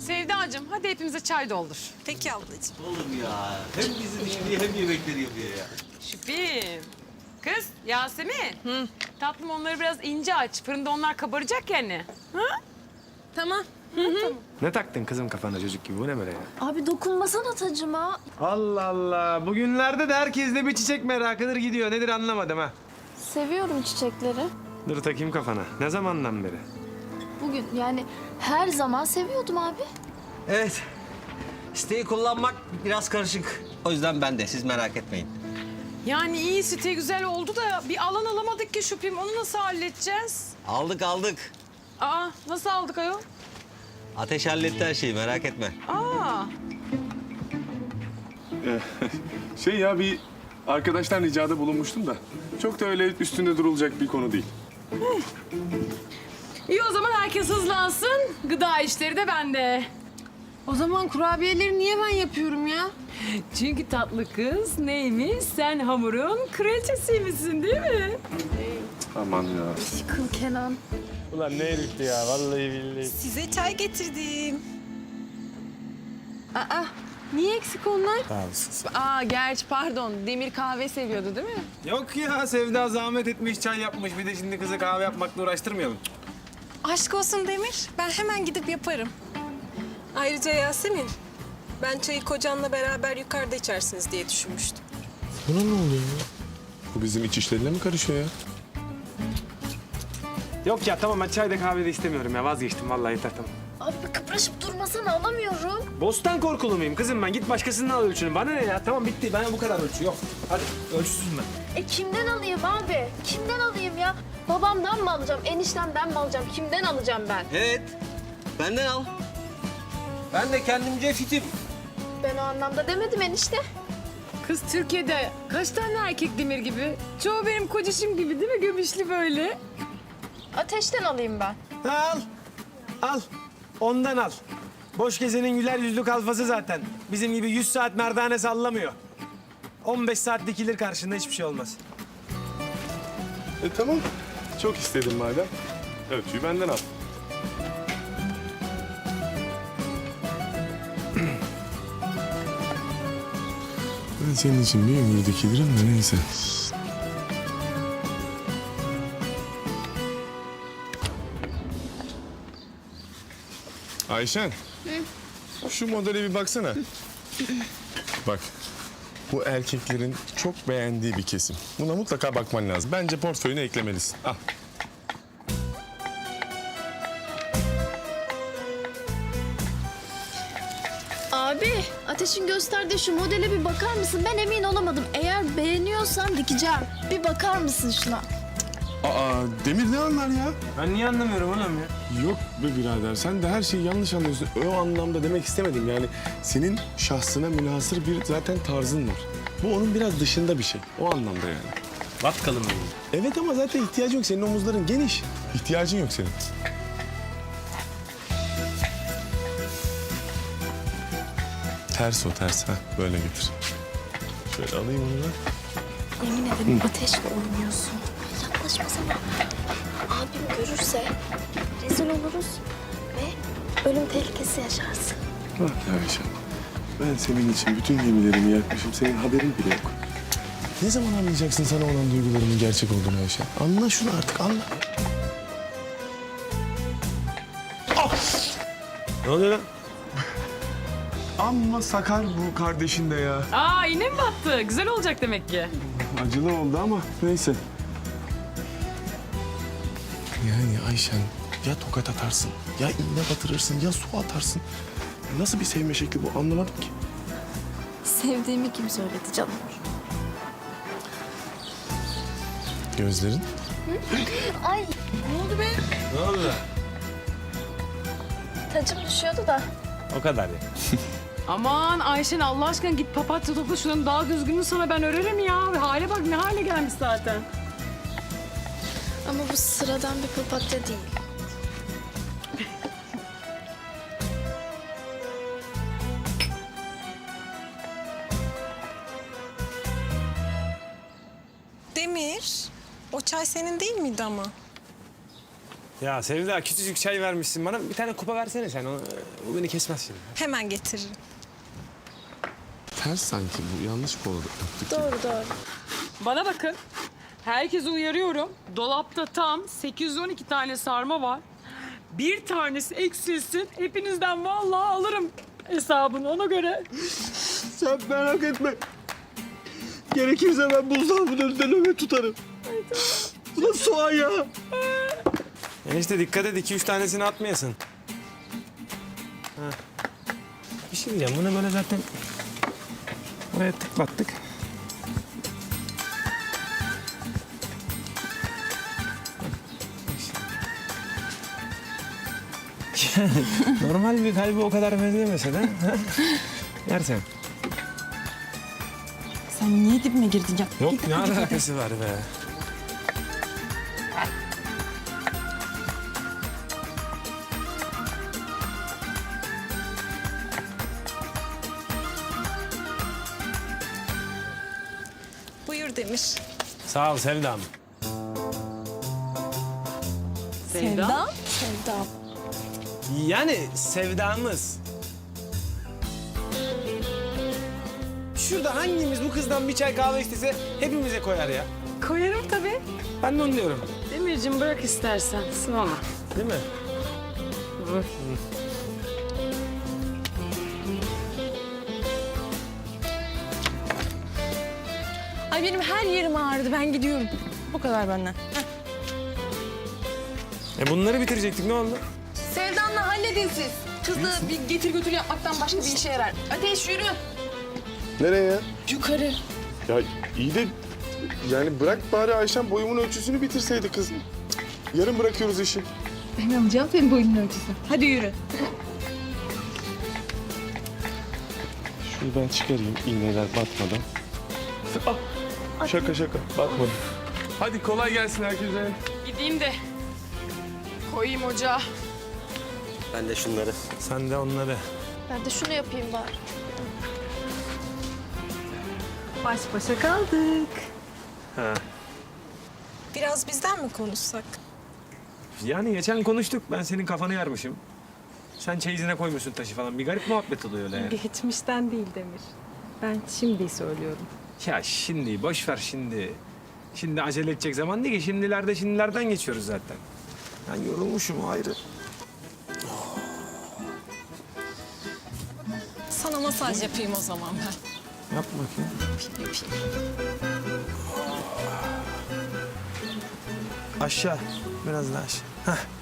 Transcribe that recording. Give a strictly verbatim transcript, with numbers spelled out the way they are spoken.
Sevdacığım hadi hepimize çay doldur. Peki ablacığım. Oğlum ya. Hem bizim işini hem yemekleri yapıyor ya. Şüphim. Kız Yasemin. Hı. Tatlım onları biraz ince aç. Fırında onlar kabaracak yani. Ha? Tamam. Ne taktın kızım kafana çocuk gibi? Bu ne böyle ya? Abi dokunmasana tacıma. Allah Allah. Bugünlerde de herkeste bir çiçek merakıdır gidiyor. Nedir anlamadım ha. Seviyorum çiçekleri. Dur takayım kafana. Ne zamandan beri? Bugün yani her zaman seviyordum abi. Evet. Siteyi kullanmak biraz karışık. O yüzden ben de siz merak etmeyin. Yani iyi site güzel oldu da bir alan alamadık ki Şüphim. Onu nasıl halledeceğiz? Aldık aldık. Aa nasıl aldık ayol? Ateş halletti her şeyi merak etme. Aa. Şey ya bir arkadaştan ricada bulunmuştum da. Çok da öyle üstünde durulacak bir konu değil. İyi o zaman herkes hızlansın. Gıda işleri de bende. O zaman kurabiyeleri niye ben yapıyorum ya? Çünkü tatlı kız neymiş? Sen hamurun kraliçesiymişsin değil mi? Aman ya. Yıkıl Kenan. Ulan ne herifti ya vallahi billahi. Size çay getirdim. Aa, niye eksik onlar? Sağ olasın. Aa, gerçi pardon. Demir kahve seviyordu değil mi? Yok ya Sevda zahmet etmiş çay yapmış. Bir de şimdi kızı kahve yapmakla uğraştırmayalım. Aşk olsun Demir. Ben hemen gidip yaparım. Ayrıca Yasemin, ben çayı kocanla beraber yukarıda içersiniz diye düşünmüştüm. Buna ne oluyor ya? Bu bizim iç işlerine mi karışıyor ya? Yok ya tamam ben çay da kahve de istemiyorum ya vazgeçtim vallahi yeter tamam. Abi kıpraşıp durmasana alamıyorum. Bostan korkulu muyum kızım ben? Git başkasından al ölçünü. Bana ne ya? Tamam bitti. Ben bu kadar ölçü yok. Hadi ölçüsüzüm ben. E kimden alayım abi? Kimden alayım ya? Babamdan mı alacağım? Eniştemden mi alacağım? Kimden alacağım ben? Evet. Benden al. Ben de kendimce fitim. Ben o anlamda demedim enişte. Kız Türkiye'de kaç tane erkek Demir gibi? Çoğu benim kocacığım gibi değil mi? Göbüşlü böyle. Ateşten alayım ben. Al. Al. Ondan al. Boş gezenin güler yüzlü kalfası zaten. Bizim gibi yüz saat merdane sallamıyor. on beş saat dikilir karşında hiçbir şey olmaz. E tamam. Çok istedim madem. Ölçüyü benden al. Ben senin için bir ömür dikilirim de neyse. Ayşen. Şu modele bir baksana. Bak. Bu erkeklerin çok beğendiği bir kesim. Buna mutlaka bakman lazım. Bence portföyüne eklemelisin. Al. Abi Ateş'in gösterdiği şu modele bir bakar mısın? Ben emin olamadım. Eğer beğeniyorsan dikeceğim. Bir bakar mısın şuna? Aa, Demir ne anlar ya? Ben niye anlamıyorum oğlum ya? Yok be birader, sen de her şeyi yanlış anlıyorsun. O anlamda demek istemedim yani. Senin şahsına münhasır bir zaten tarzın var. Bu onun biraz dışında bir şey. O anlamda yani. Vatkalım benim. Evet ama zaten ihtiyacın yok. Senin omuzların geniş. İhtiyacın yok senin. Ters o ters. Ha böyle getir. Şöyle alayım onu da. Yemin ederim ateşle oynuyorsun. Yaklaşmasana. Abim görürse rezil oluruz ve ölüm tehlikesi yaşarsın. Bak ya Ayşe. Ben senin için bütün gemilerimi yakmışım. Senin haberin bile yok. Ne zaman anlayacaksın sana olan duygularımın gerçek olduğunu Ayşe? Anla şunu artık anla. Ne oluyor lan? Amma sakar bu kardeşin de ya. Aa yine mi battı? Güzel olacak demek ki. Acılı oldu ama neyse. Yani Ayşen ya tokat atarsın, ya iğne batırırsın, ya su atarsın. Nasıl bir sevme şekli bu anlamadım ki. Sevdiğimi kim söyledi canım? Gözlerin? Ay Ne oldu be? Ne oldu? tacım düşüyordu da. O kadar ya. Aman Ayşen Allah aşkına git papatya topla şunun daha düzgününü sana ben örerim ya. Hale bak ne hale gelmiş zaten. Ama bu sıradan bir papatya değil. Demir, o çay senin değil miydi ama? Ya Sevda küçücük çay vermişsin bana. Bir tane kupa versene sen. O, o beni kesmez şimdi. Hemen getiririm. Ters sanki bu. Yanlış kol yaptık. Doğru doğru. Bana bakın. Herkese uyarıyorum. Dolapta tam sekiz yüz on iki tane sarma var. Bir tanesi eksilsin. Hepinizden vallahi alırım hesabını ona göre. Sen merak etme. Gerekirse ben buzdolabının önünde nöbet tutarım. Bu da soğan ya. Enişte dikkat et iki üç tanesini atmayasın. Ha. Bir şey diyeceğim bunu böyle zaten buraya tıklattık. Normal bir kalbi o kadar benzemese de ha? Yersen. Sen niye dibime girdin ya? Yok ne alakası var be? Buyur Demir. Sağ ol Sevdam. Sevda? Sevda. Yani sevdamız. Şurada hangimiz bu kızdan bir çay kahve istese hepimize koyar ya. Koyarım tabii. Ben de onu diyorum. Demircim bırak istersen. Sıvama. Değil mi? Ay benim her yerim ağrıdı. Ben gidiyorum. Bu kadar benden. E bunları bitirecektik ne oldu? Sevdan'la halledin siz. Kızı bir getir götür yapmaktan başka bir işe yarar. Ateş yürü. Nereye ya? Yukarı. Ya iyi de yani bırak bari Ayşen boyumun ölçüsünü bitirseydi kız. Yarın bırakıyoruz işi. Ben alacağım senin boyunun ölçüsü. Hadi yürü. Şunu ben çıkarayım iğneler batmadan. Ah, şaka şaka batmadı. Hadi kolay gelsin herkese. Gideyim de koyayım ocağa. Ben de şunları. Sen de onları. Ben de şunu yapayım bari. Baş başa kaldık. Biraz bizden mi konuşsak? Yani geçen konuştuk. Ben senin kafanı yarmışım. Sen çeyizine koymuşsun taşı falan. Bir garip muhabbet oluyor öyle yani. Geçmişten değil Demir. Ben şimdi söylüyorum. Ya şimdi boş ver şimdi. Şimdi acele edecek zaman değil ki. Şimdilerde şimdilerden geçiyoruz zaten. Ben yorulmuşum ayrı. Sana masaj yapayım o zaman ben. Yap bakayım. Aşağı. Biraz daha aşağı. Heh.